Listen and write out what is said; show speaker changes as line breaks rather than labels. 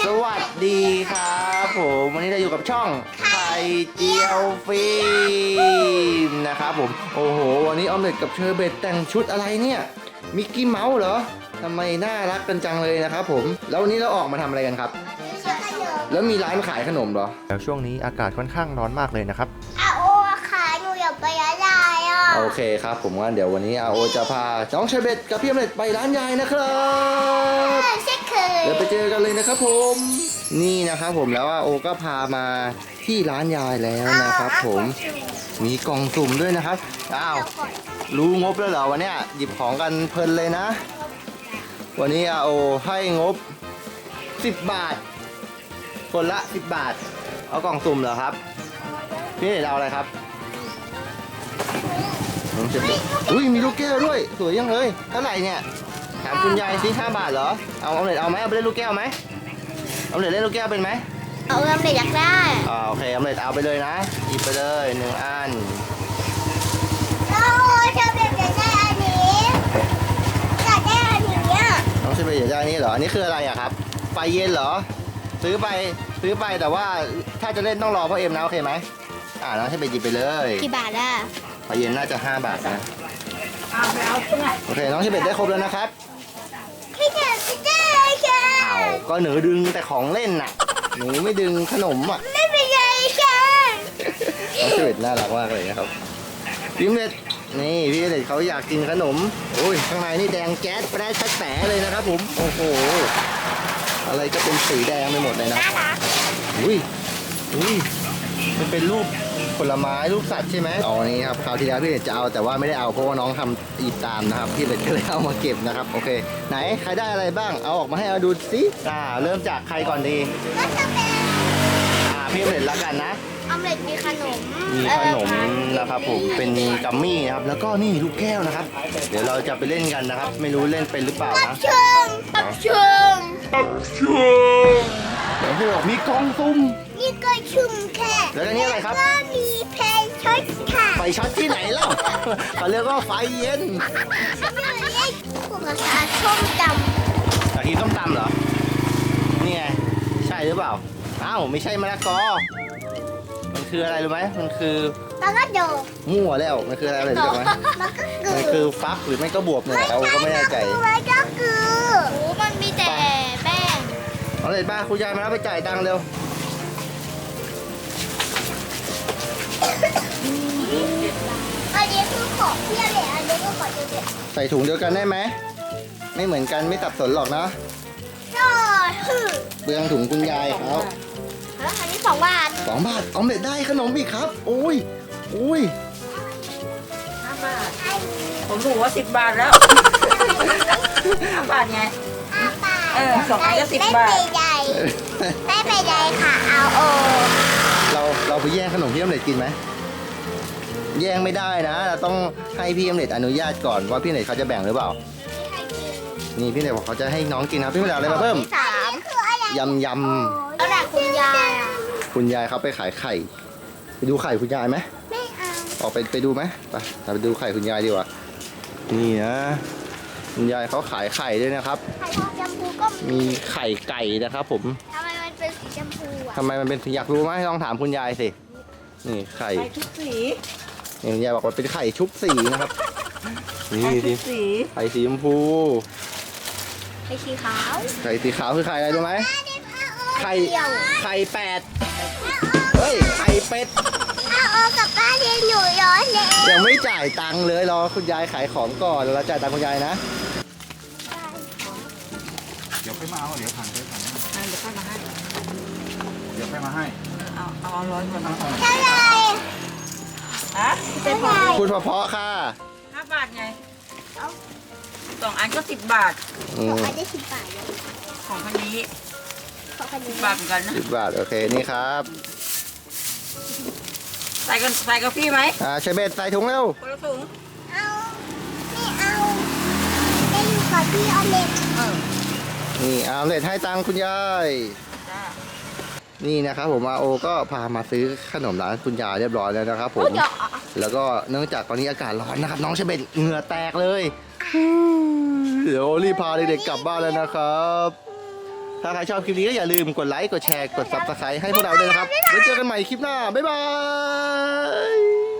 สวัสดีครับผมวันนี้เราอยู่กับช่องไข่เจียวฟิล์มนะครับผมโอ้โหวันนี้ออมเล็ตกับเชอร์เบตแต่งชุดอะไรเนี่ยมิกกี้เมาส์เหรอทำไมน่ารักกันจังเลยนะครับผมแล้ววันนี้เราออกมาทำอะไรกันครับแล้วมีร้านขายขนมเหรอแล้วช่วงนี้อากาศค่อนข้างร้อนมากเลยนะครับ
อาโอค่ะหนูอยากไปร้านยายอ่ะ
โอเคครับผมว่าเดี๋ยววันนี้อาโอจะพาน้องเชอร์เบตกับพี่ออมเล็ตไปร้านยายนะครับ
ใช่เคย
เดี๋ยวไปเจอกันเลยนะครับผมนี่นะครับผมแล้วอาโอก็พามาที่ร้านยายแล้วนะครับผมมีกล่องสุ่มด้วยนะครับอ้าวรู้งบแล้วเหรอวันเนี้ยหยิบของกันเพลินเลยนะวันนี้อาโอให้งบ10 บาทคนละ10 บาทเอากล่องสุ่มเหรอครับพี่เอาอะไรครับน้องเชฟอุ้ยมีลูกแก้วด้วยสวยยังเลยเท่าไหร่เนี่ยถามคุณยายซิ5 บาทเหรอเอาออมเล็ตเอาไหมเอาไปเล่นลูกแก้วไหมออมเล็ตเล่นลูกแก้วเป็นไหม
เอาเงินเลยอยากได้
โอเคออมเล็ตเอาไปเลยนะหยิบไปเลย1 อัน
เราจะเป็นอยากได้อันนี้อยากได้อันนี้
น้องเชฟอยากได้นี่เหรออันนี้คืออะไรอะครับไฟเย็นเหรอซื้อไปแต่ว่าถ้าจะเล่นต้องรอพ่อเอ็มนะโอเคไหมน้องเชฟหยิบไปเลย
กี่บาทอ่ะ
ไฟเย็นน่าจะ5 บาทนะโอเคน้องเชฟได้ครบแล้วนะครับ
พี่แกพี่แกค่ะ
ก็หนูดึงแต่ของเล่นน่ะหนูไม่ดึงขนมอ่ะ
ไม่เป็นไรค่ะ
น้องเชฟน่ารักมากเลยนะครับพี่เล็ดนี่พี่เล็ดเขาอยากกินขนมโอ้ยข้างในนี่แดงแก๊สไปได้ชัดแสเลยนะครับผมโอ้โหอะไรก็เป็นสีแดงไปหมดเลยนะอุ้ยมันเป็นรูปผลไม้รูปสัตว์ใช่ไหมอ๋อนี่ครับคราวที่แล้วพี่เล็ดจะเอาแต่ว่าไม่ได้เอาเพราะว่าน้องทำอีกตามนะครับพี่เล็ดก็เลยเอามาเก็บนะครับโอเคไหนใครได้อะไรบ้างเอาออกมาให้เราดูสิเริ่มจากใครก่อนดี
ก็จะเป็น
พี่เล็ดละกันนะ
ออมเล็ตมีขนม
นะครับผมเป็นกัมมี่นะครับแล้วก็นี่ลูกแก้วนะครับเดี๋ยวเราจะไปเล่นกันนะครับไม่รู้เล่นเป็นหรือเปล่านะ
เชิง
เดี๋ยวพี่บอกมีกล่องซุ่ม
นี่ก็ชุ่มแค่
แล้วอันนี้อะไรครับ
ก็มีเพลงช็อตค่ะ
ไฟช็อตที่ไหนเล่าเขาเรียกว่าไฟเย็น
ผู้ภาษาส้มตำ
กะทิส้มตำเหรอนี่ไงใช่หรือเปล่าอ้าวไม่ใช่มะละกอมันคืออะไรรู้ไหมมันคือ
มันก็โด
มั่วแล้วมันคืออะไรรู้ไหมมันคือฟักหรือไม่ก็บวบเนี่ยเราก็ไม่แน่ใจ
มันก็คือโอ้มันมีแต่แป้ง
เอาเลยป้าคุณยายมาแล้วไปจ่ายตังค์เร็ว
อันนี้คือของเที่ยวเลยอันนี้ก็ของเที่ยว
ใส่ถุงเดียวกันได้ไหมไม่เหมือนกันไม่สับสนหรอกนะเบื้องถุงคุณยายเขา
อันนี้2 บาท
2 บาทออมเล็ตได้ขนมอีกครับโอ้ย
5 บาทผมรู้ว่า10 บาทแล้ว5 บาทไง
5 บาท
2 อันก็10 บาท
ไม่เป็นไรค่ะเอา
เราไปแย่งขนมพี่ออมเล็ตกินไหมแย่งไม่ได้นะเราต้องให้พี่ออมเล็ตอนุญาตก่อนว่าพี่ออมเล็ตเขาจะแบ่งหรือเปล่านี่พี่ออมเล็ตบอกเขาจะให้น้องกินครับพี่ออมเล็ตอะไรมาเพิ่มยำ
แล้วแต่คุณยาย
คุณยายเขาไปขายไข่ไปดูไข่คุณยายไหม
ไม่เอา
ออกไปดูไหมไปดูไข่คุณยายดีกว่านี่นะคุณยายเขาขายไข่ด้วยนะครับ
ไข่ทองชมพูก็
มีไข่ไก่นะครับผม
ทำไมมันเป็นสีชมพู
ทำไมมันเป็นอยากรู้ไหมลองถามคุณยายสินี่ไข่
ชุบสี
นี่คุณยายบอกว่าเป็นไข่ชุบสีนะครับนี่
สี
ไข่สีชมพู
ไข่สีขาว
คือไข่อะไรรู้ไหมไข่8เฮ้ยไข่เป็ด
โอกับป้าเรียนอยู่ย้อนเลย
ยังไม่จ่ายตังค์เลยรอคุณยายขายของก่อนแล้วจ่ายตังค์คุณยายนะ
เดี๋ยวค่อยมาเอาเดี๋ยวผ่าน
เดี๋ยวค่อยมาให้เอา100 ก่อน
เท่าไร
ฮะ
พูดเพราะๆค่ะ
5 บาทไง2 อันก็10 บาท
2 อันได้10 บาท
ของคันนี้10 บาทเหมือนกันนะ
10 บาทโอเคนี่ครับ
ใส่กับพี่ไหม
เชเบตใส่ถุงเร็ว
คนละถุง
ไม่เอาได้อยู่กับพี่ออมเล็ต
นี่ออมเล็ตให้ตังค์คุณยายนี่นะครับผมอาโอก็พามาซื้อขนมร้านคุณยายเรียบร้อยแล้วนะครับผมแล้วก็เนื่องจากตอนนี้อากาศร้อนนะครับน้องเชเบตเหงื่อแตกเลยเดี๋ยวรีบพาเด็กๆกลับบ้านแล้วนะครับถ้าใครชอบคลิปนี้ก็อย่าลืมกดไลค์ กดแชร์ กด Subscribe ให้พวกเราด้วยนะครับ ไว้เจอกันใหม่คลิปหน้า บ๊ายบาย